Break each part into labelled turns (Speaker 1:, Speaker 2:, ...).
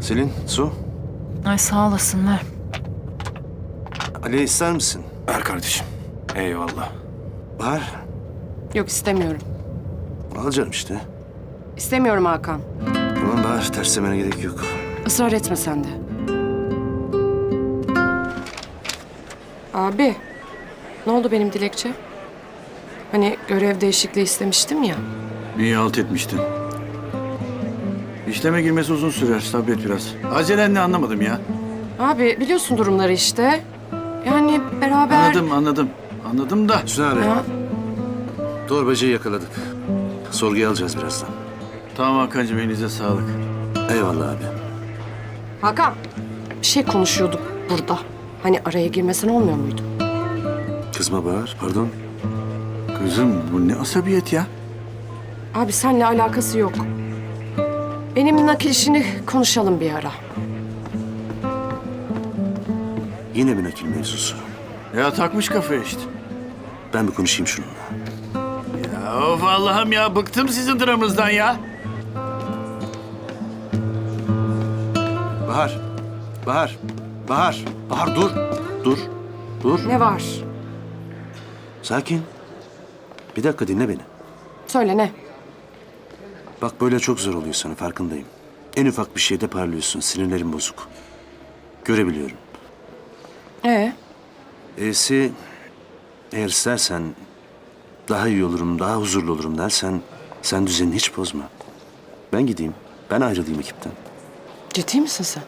Speaker 1: Selin, su.
Speaker 2: Ay sağ olasın, ver.
Speaker 1: Ali ister misin?
Speaker 3: Ver kardeşim. Eyvallah.
Speaker 1: Bahar.
Speaker 4: Yok istemiyorum.
Speaker 1: Al canım işte.
Speaker 4: İstemiyorum Hakan.
Speaker 1: Tamam Bahar, terslemene gerek yok.
Speaker 4: Israr etme sen de. Abi, ne oldu benim dilekçe? Hani görev değişikliği istemiştim ya.
Speaker 3: İyi halt etmiştin. İşleme girmesi uzun sürer. Sabret biraz. Acelen ne anlamadım ya.
Speaker 4: Abi biliyorsun durumları işte. Yani beraber...
Speaker 3: Anladım da.
Speaker 1: Hüsnü abi,
Speaker 4: Ya,
Speaker 1: torbacıyı yakaladık. Sorguya alacağız birazdan.
Speaker 3: Tamam Hakan'cığım, elinize sağlık.
Speaker 1: Eyvallah abi.
Speaker 4: Hakan, bir şey konuşuyorduk burada. Hani araya girmesen olmuyor muydu?
Speaker 1: Kızma Bahar, pardon.
Speaker 3: Kızım bu ne asabiyet ya?
Speaker 4: Abi seninle alakası yok. Benim nakil işini konuşalım bir ara.
Speaker 1: Yine bir nakil mevzusu.
Speaker 3: Ya takmış kafaya işte.
Speaker 1: Ben bir konuşayım şununla.
Speaker 3: Ya of Allah'ım ya, bıktım sizin dramınızdan ya.
Speaker 1: Bahar, Bahar, Bahar, Bahar dur. Dur.
Speaker 4: Ne var?
Speaker 1: Sakin. Bir dakika dinle beni.
Speaker 4: Söyle ne?
Speaker 1: Bak böyle çok zor oluyor sana, farkındayım. En ufak bir şeyde parlıyorsun, sinirlerin bozuk. Görebiliyorum. Eğer istersen daha iyi olurum, daha huzurlu olurum dersen sen düzenini hiç bozma. Ben gideyim, ben ayrılayım ekipten.
Speaker 4: Ciddi misin sen?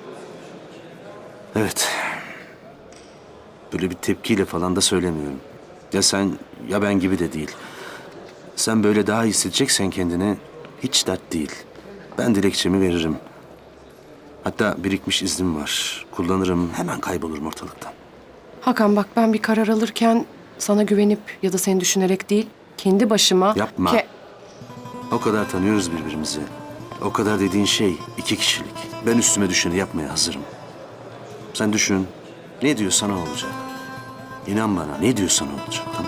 Speaker 1: Evet. Böyle bir tepkiyle falan da söylemiyorum. Ya sen ya ben gibi de değil. Sen böyle daha iyi hissedeceksen kendini hiç dert değil. Ben dilekçemi veririm. Hatta birikmiş iznim var. Kullanırım, hemen kaybolurum ortalıktan.
Speaker 4: Hakan bak ben bir karar alırken sana güvenip ya da seni düşünerek değil, kendi başıma...
Speaker 1: Yapma. O kadar tanıyoruz birbirimizi. O kadar dediğin şey 2 kişilik. Ben üstüme düşeni yapmaya hazırım. Sen düşün. Ne diyorsan o olacak. İnan bana, ne diyorsan o olacak. Tamam.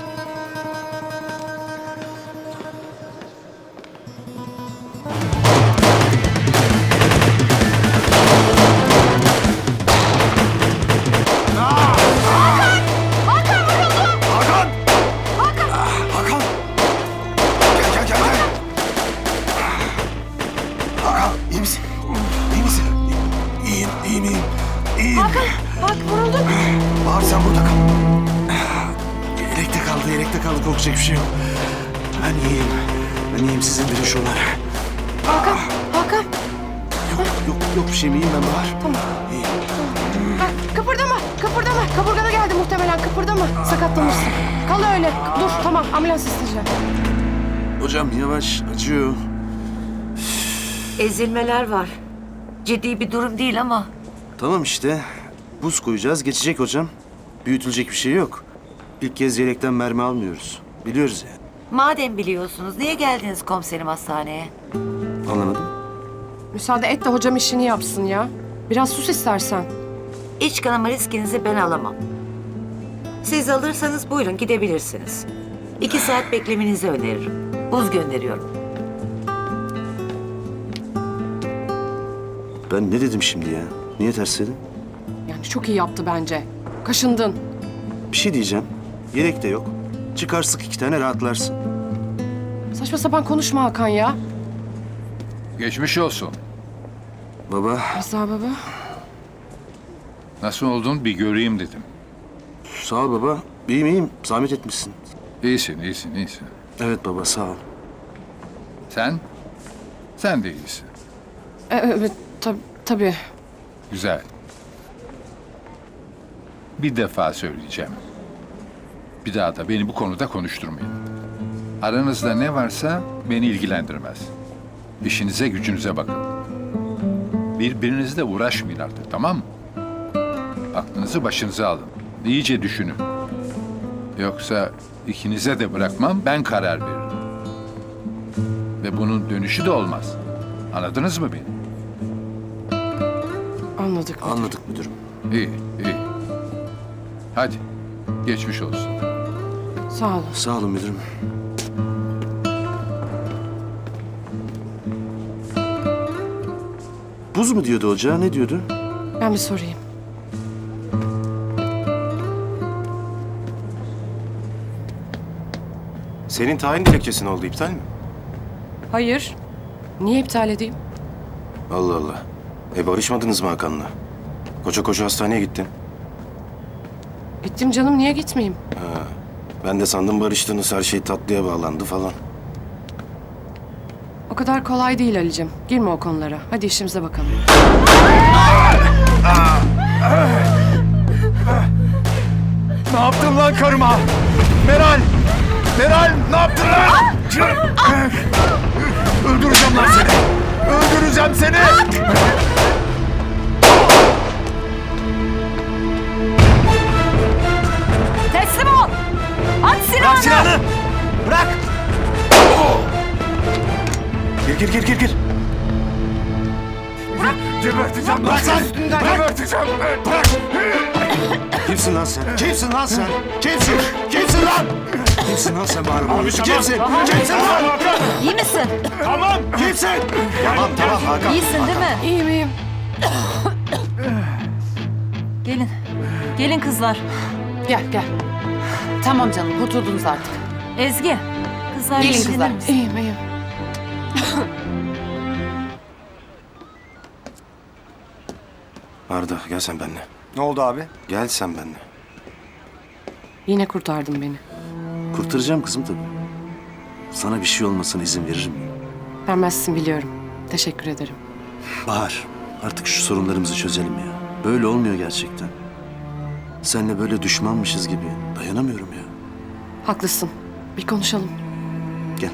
Speaker 3: Hakan! Gel. Hakan, iyi misin? İyi misin? İyiyim.
Speaker 4: Hakan bak vuruldun.
Speaker 3: Bahar sen burada kal.
Speaker 1: Yelekte kaldı. Korkacak bir şey yok. Ben iyiyim. Sizin bilin şunları.
Speaker 4: Hakan.
Speaker 1: Yok bir şeyim, iyiyim ben Bahar.
Speaker 4: Tamam.
Speaker 1: İyiyim.
Speaker 4: Ha, kıpırdama. Kaburgana geldi muhtemelen. Kıpırdama. Sakatlanırsın. Kal öyle. Dur tamam ambulans isteyeceğim.
Speaker 1: Hocam yavaş, acıyor.
Speaker 5: Ezilmeler var. Ciddi bir durum değil ama
Speaker 1: Tamam işte. Buz koyacağız, geçecek hocam. Büyütülecek bir şey yok. İlk kez yelekten mermi almıyoruz. Biliyoruz yani.
Speaker 5: madem biliyorsunuz niye geldiniz komiserim hastaneye?
Speaker 1: Anlamadım.
Speaker 4: Müsaade et de hocam işini yapsın ya. Biraz sus istersen.
Speaker 5: İç kanama riskinizi ben alamam. Siz alırsanız buyurun gidebilirsiniz. 2 saat beklemenizi öneririm. Buz gönderiyorum.
Speaker 1: Ben ne dedim şimdi ya? Niye ters dedim?
Speaker 4: Yani çok iyi yaptı bence. Kaşındın.
Speaker 1: Bir şey diyeceğim. Yelek de yok. Çıkar sık 2 tane rahatlarsın.
Speaker 4: Saçma sapan konuşma Hakan ya.
Speaker 6: Geçmiş olsun.
Speaker 1: Baba,
Speaker 4: Rıza baba.
Speaker 6: Nasıl oldun bir göreyim dedim.
Speaker 1: sağ ol baba. İyiyim. Zahmet etmişsin.
Speaker 6: İyisin.
Speaker 1: Evet baba, sağ ol.
Speaker 6: Sen? Sen de iyisin.
Speaker 4: Evet tabii.
Speaker 6: Güzel. Bir defa söyleyeceğim. Bir daha da beni bu konuda konuşturmayın. Aranızda ne varsa beni ilgilendirmez. İşinize gücünüze bakın. Birbirinizle uğraşmayın artık, tamam mı? Aklınızı başınıza alın. İyice düşünün. Yoksa ikinize de bırakmam, ben karar veririm. Ve bunun dönüşü de olmaz. Anladınız mı beni?
Speaker 4: Anladık.
Speaker 1: Anladık müdürüm.
Speaker 6: İyi. Hadi, geçmiş olsun.
Speaker 4: Sağ olun.
Speaker 1: Sağ olun müdürüm. Tuz mu diyordu ocağa, ne diyordu?
Speaker 4: Ben bir sorayım.
Speaker 7: Senin tayin dilekçesi ne oldu, iptal mi?
Speaker 4: Hayır. Niye iptal edeyim?
Speaker 7: Allah Allah. Barışmadınız mı Hakan'la? Koşa koşa hastaneye gittin.
Speaker 4: Gittim canım, niye gitmeyeyim?
Speaker 7: Ben de sandım barıştınız, her şey tatlıya bağlandı falan.
Speaker 4: O kadar kolay değil Ali'cim. Girme o konulara. Hadi işimize bakalım.
Speaker 8: Ne yaptın lan karıma? Meral! Meral ne yaptın lan? Öldüreceğim lan seni! Öldüreceğim seni!
Speaker 2: Teslim ol! At
Speaker 8: Bırak
Speaker 2: silahını!
Speaker 8: silahını! Bırak!
Speaker 7: Gir.
Speaker 8: Geberteceğim lan seni! Geberteceğim! Bırak!
Speaker 7: Kimsin lan sen? Kimsin lan sen? Kimsin? Kimsin lan? Kimsin lan sen bari? Kimsin? Kimsin lan?
Speaker 2: İyi misin?
Speaker 8: Tamam!
Speaker 7: Kimsin? Tamam Hakan.
Speaker 2: İyisin değil mi?
Speaker 4: İyiyim, iyiyim.
Speaker 2: Gelin. Gelin kızlar.
Speaker 9: Gel. Tamam canım, kurtuldunuz artık.
Speaker 2: Ezgi. Kızlar
Speaker 9: Gelin
Speaker 2: ilgilenir
Speaker 9: kızlar.
Speaker 2: misin?
Speaker 4: İyiyim.
Speaker 7: Arda gel sen benimle.
Speaker 8: Ne oldu abi?
Speaker 7: Gel sen benimle.
Speaker 4: Yine kurtardın beni.
Speaker 1: Kurtaracağım kızım tabii. Sana bir şey olmasına izin verir miyim?
Speaker 4: Vermezsin biliyorum. Teşekkür ederim.
Speaker 1: Bahar, artık şu sorunlarımızı çözelim ya. Böyle olmuyor gerçekten. Seninle böyle düşmanmışız gibi dayanamıyorum ya.
Speaker 4: Haklısın. Bir konuşalım.
Speaker 1: Gel.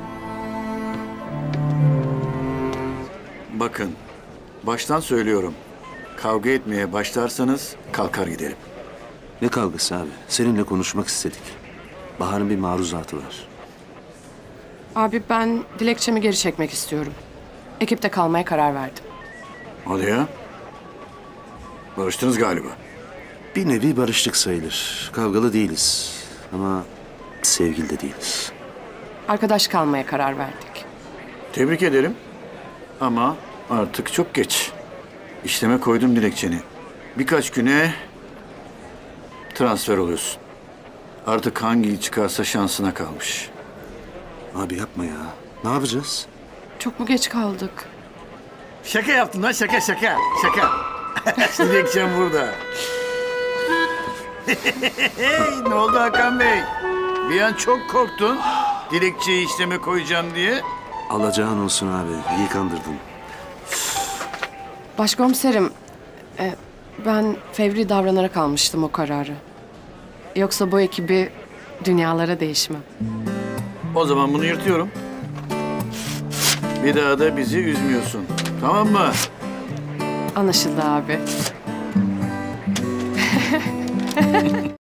Speaker 3: Bakın, baştan söylüyorum. Kavga etmeye başlarsanız kalkar giderim.
Speaker 1: Ne kavgası abi? Seninle konuşmak istedik. Bahar'ın bir maruzatı var.
Speaker 4: Abi ben dilekçemi geri çekmek istiyorum. Ekipte kalmaya karar verdim.
Speaker 3: Hadi ya. Barıştınız galiba.
Speaker 1: Bir nevi barıştık sayılır. Kavgalı değiliz. Ama sevgili de değiliz.
Speaker 4: Arkadaş kalmaya karar verdik.
Speaker 3: Tebrik ederim. Ama artık çok geç. İşleme koydum dilekçeni. Birkaç güne transfer oluyorsun. Artık hangi çıkarsa şansına kalmış.
Speaker 1: Abi yapma ya. Ne yapacağız?
Speaker 4: Çok mu geç kaldık?
Speaker 3: Şaka yaptın lan, şaka. Dilekçem burada. Ne oldu Hakan Bey? Bir an çok korktun. Dilekçeyi işleme koyacağım diye.
Speaker 1: Alacağın olsun abi. İyi kandırdın.
Speaker 4: Başkomiserim, ben fevri davranarak almıştım o kararı. Yoksa bu ekibi dünyalara değişmem.
Speaker 3: O zaman bunu yırtıyorum. Bir daha da bizi üzmüyorsun. Tamam mı?
Speaker 4: Anlaşıldı abi.